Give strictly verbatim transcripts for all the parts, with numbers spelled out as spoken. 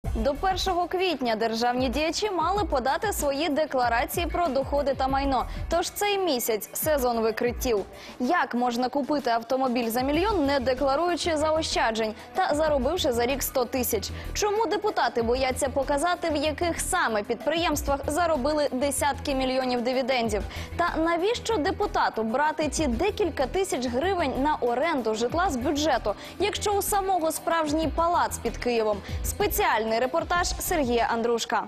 До першого квітня державні діячі мали подати свої декларації про доходи та майно. Тож цей місяць – сезон викриттів. Як можна купити автомобіль за мільйон, не декларуючи заощаджень та заробивши за рік сто тисяч? Чому депутати бояться показати, в яких саме підприємствах заробили десятки мільйонів дивідендів? Та навіщо депутату брати ті декілька тисяч гривень на оренду житла з бюджету, якщо у самого справжній палац під Києвом? Спеціальний репортаж Сергія Андрушка.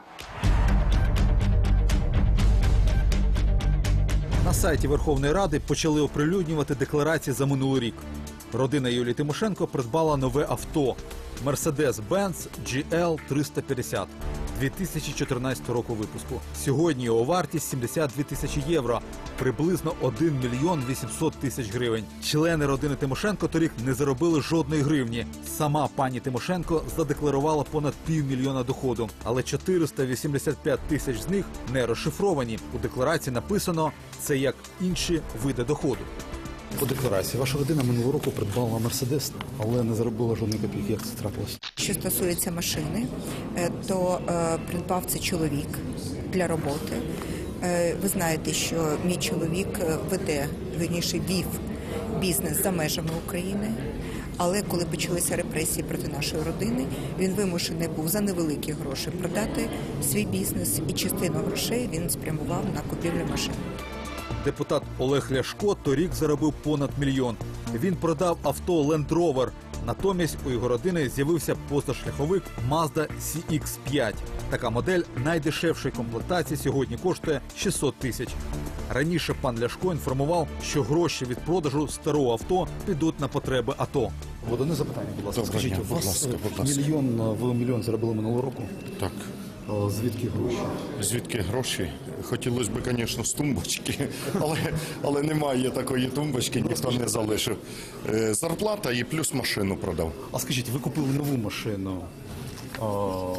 На сайті Верховної Ради почали оприлюднювати декларації за минулий рік. Родина Юлії Тимошенко придбала нове авто – Mercedes-Benz джі ел триста п'ятдесят дві тисячі чотирнадцятого року випуску. Сьогодні його вартість сімдесят дві тисячі євро, приблизно один мільйон вісімсот тисяч гривень. Члени родини Тимошенко торік не заробили жодної гривні. Сама пані Тимошенко задекларувала понад півмільйона доходу, але чотириста вісімдесят п'ять тисяч з них не розшифровані. У декларації написано «це як інші види доходу». По декларації, ваша родина минулого року придбала Мерседес, але не заробила жодної копійки. Як це трапилось? Що стосується машини, то е, придбав це чоловік для роботи. Е, ви знаєте, що мій чоловік веде, вірніше, вів бізнес за межами України. Але коли почалися репресії проти нашої родини, він вимушений був за невеликі гроші продати свій бізнес, і частину грошей він спрямував на купівлю машин. Депутат Олег Ляшко торік заробив понад мільйон. Він продав авто Land Rover. Натомість у його родини з'явився позашляховик Mazda сі ікс п'ять. Така модель найдешевшої комплектації сьогодні коштує шістсот тисяч. Раніше пан Ляшко інформував, що гроші від продажу старого авто підуть на потреби АТО. От одне запитання, будь ласка. Доброго Скажіть, дня, у вас будь ласка, будь ласка. мільйон, ви мільйон заробили минулого року? Так. А звідки гроші? Звідки гроші? Хотілося б, звісно, з тумбочки, але, але немає такої тумбочки, ніхто не залишив. Е, Зарплата і плюс машину продав. А скажіть, ви купили нову машину? А,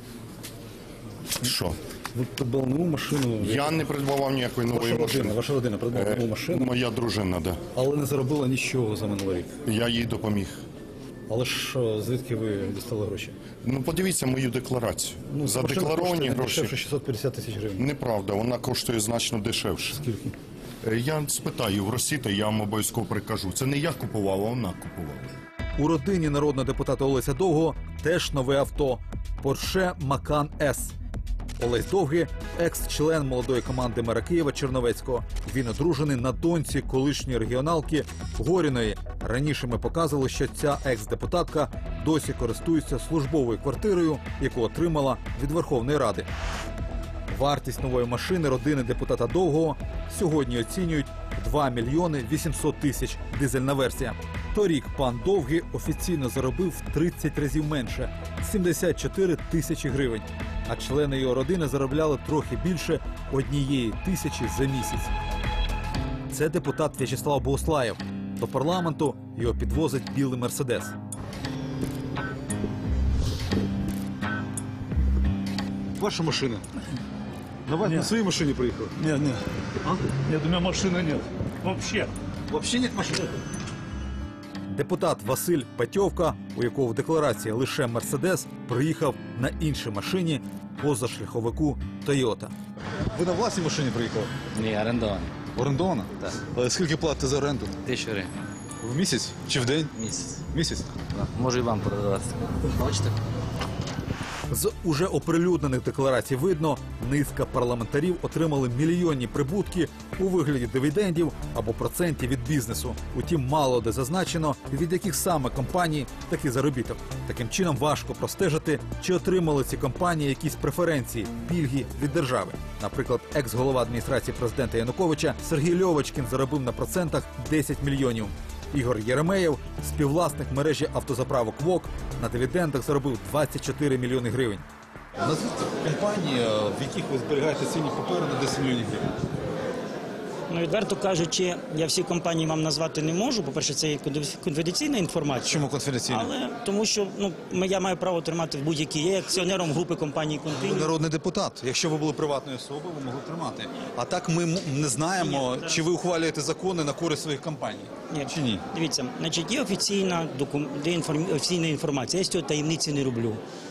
Що? ви придбали нову машину? Я не придбавав ніякої нової Ваша родина, машини. ваша родина придбала Е, нову машину, Моя дружина, да. але не заробила нічого за минулий рік. Я їй допоміг. Але ж а, звідки ви дістали гроші? Ну, подивіться мою декларацію. Ну, Задекларовані машина коштує гроші. дешевше шістсот п'ятдесят тисяч гривень. Неправда, вона коштує значно дешевше. Скільки? Е, Я спитаю в Росіти, я вам обов'язково прикажу. Це не я купував, а вона купувала. У родині народного депутата Олеся Довгого теж нове авто – Porsche Macan С. Олесь Довгий – екс-член молодої команди мера Києва Черновецького. Він одружений на доньці колишньої регіоналки Горіної. Раніше ми показували, що ця екс-депутатка досі користується службовою квартирою, яку отримала від Верховної Ради. Вартість нової машини родини депутата Довгого сьогодні оцінюють в два мільйони вісімсот тисяч, дизельна версія. Торік пан Довгий офіційно заробив в тридцять разів менше – сімдесят чотири тисячі гривень. А члени його родини заробляли трохи більше однієї тисячі за місяць. Це депутат В'ячеслав Богуслаєв. До парламенту його підвозить білий Мерседес. Ваша машина. На вас на своей машине приехал? Нет, нет. А? Нет, у меня машины нет. Вообще. Вообще нет машины? Депутат Василь Патьовка, у якого в декларації лише Мерседес, приїхав на іншій машині позашляховику Тойота. Ви на власній машині приїхали? Ні, орендований. Орендована? Так. Але скільки платите за оренду? Тисячу гривень. В місяць? Чи в день? Місяць. Місяць? Да. Можу і вам продавати. Хочете? З уже оприлюднених декларацій видно, низка парламентарів отримали мільйонні прибутки у вигляді дивідендів або процентів від бізнесу. Утім, мало де зазначено, від яких саме компаній такий заробіток. Таким чином важко простежити, чи отримали ці компанії якісь преференції, пільги від держави. Наприклад, екс-голова адміністрації президента Януковича Сергій Льовочкін заробив на процентах десять мільйонів. Ігор Єремеєв, співвласник мережі автозаправок ВОК, на дивідендах заробив двадцять чотири мільйони гривень. Назвіть компанії, в яких ви зберігаєте цінні папери на десять мільйонів гривень. Ну, відверто кажучи, я всі компанії вам назвати не можу. По-перше, це є конфіденційна інформація. Чому конфіденційна? Але тому що ну, я маю право тримати в будь-якій. Я є акціонером групи компанії Ви «Континю». народний депутат. Якщо ви були приватною особою, ви могли тримати. А так ми м- не знаємо, Ні, чи ви ухвалюєте закони на користь своїх компаній. Ні. Чи ні? Дивіться, значить, є офіційна, докум... є інформ... офіційна інформація. Я з цього таємниці не роблю.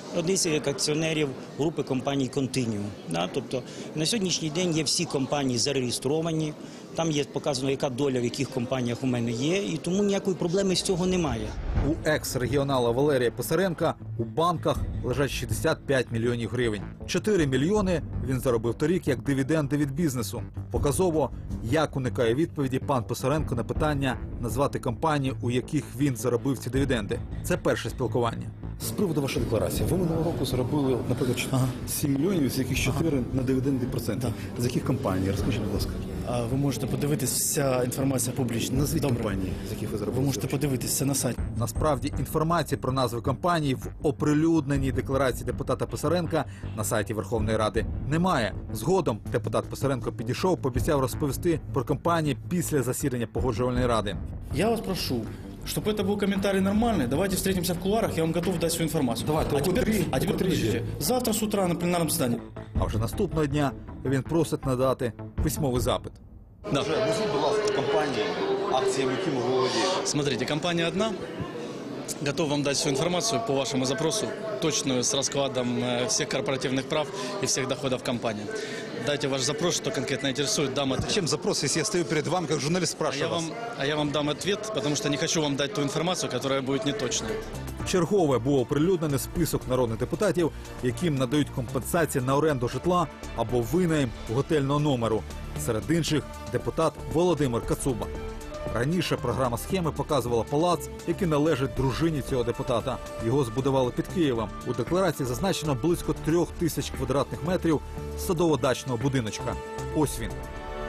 одні з акціонерів групи компаній «Континіум». Да? Тобто на сьогоднішній день є всі компанії зареєстровані, там є показано, яка доля в яких компаніях у мене є, і тому ніякої проблеми з цього немає. У екс-регіонала Валерія Писаренка у банках лежать шістдесят п'ять мільйонів гривень. чотири мільйони він заробив торік як дивіденди від бізнесу. Показово, як уникає відповіді пан Писаренко на питання назвати компанії, у яких він заробив ці дивіденди. Це перше спілкування. З приводу вашої декларації. Ви минулого року заробили, наприклад, сім мільйонів, з яких чотири на дивіденди проценти. З яких компаній? Розкажіть, будь ласка. А ви можете подивитись, вся інформація публічна. Назвіть Добре. компанії, з яких ви заробили. Ви можете подивитися на сайті. Насправді, інформації про назви компаній в оприлюдненій декларації депутата Писаренка на сайті Верховної Ради немає. Згодом депутат Писаренко підійшов, пообіцяв розповісти про компанії після засідання Погоджувальної ради. Я вас прошу, чтобы это был комментарий нормальный, давайте встретимся в кулуарах, я вам готов дать всю информацию. Давайте, а о теперь, котрій- а о теперь котрій подождите. же? Завтра с утра на пленарном заседании. А вже наступного дня він просить надати письмовий запит. Да. Назвіть, будь ласка, компанії, акціями якими ви володієте. Смотрите, компания одна. Готов вам дать всю информацию по вашему запросу, точную, с раскладом э, всех корпоративных прав и всех доходов компании. Дайте ваш запрос, что конкретно интересует, дам ответ. Зачем запрос, если я стою перед вами, как журналист, А я, спрашиваю вас? вам, а я вам дам ответ, потому что не хочу вам дать ту информацию, которая будет неточной. Чергове був оприлюднений список народних депутатів, яким надають компенсації на оренду житла або винайм готельного номеру. Серед інших – депутат Володимир Кацуба. Раніше програма схеми показувала палац, який належить дружині цього депутата. Його збудували під Києвом. У декларації зазначено близько трьох тисяч квадратних метрів садово-дачного будиночка. Ось він.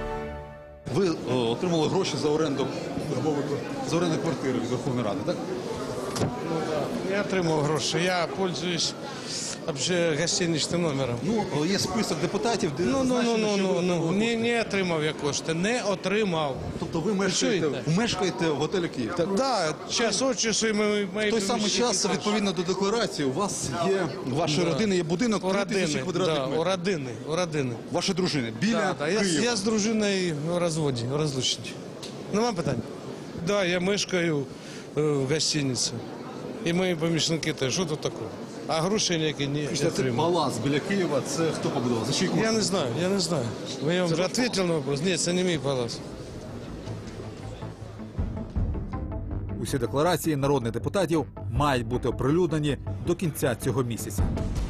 Ви о, отримали гроші за оренду, за оренду квартири від Верховної Ради, так? Я отримав гроші. Я пользуюсь вообще гостиничним номером. Ну, є список депутатів, де Ну, ну, ну, зазначено, ну, що ну, ви ну, отримали не, кошти. не отримав я кошти, не отримав. Тобто ви мешкаєте, чуєте? мешкаєте в готелі Київ, так? Да, час від часу і мої, мої В той самий помічники час, теж. відповідно до декларації, у вас є, у вашої Да. родини є будинок У три тисячі родини, квадратних да, у метрів. родини, у родини. Вашої дружини, біля Да, да, я, Києва. я з дружиною в розводі, в розлученні. Нема питань? Да, я мешкаю е, в гостиниці. І мої помічники теж. Що тут такого? А грошей ніякі не Це отримав. палац біля Києва, це хто побудував? За чий кошт? Я не знаю, я не знаю. Я вам вже відповів на вопрос. Ні, це не мій палац. Усі декларації народних депутатів мають бути оприлюднені до кінця цього місяця.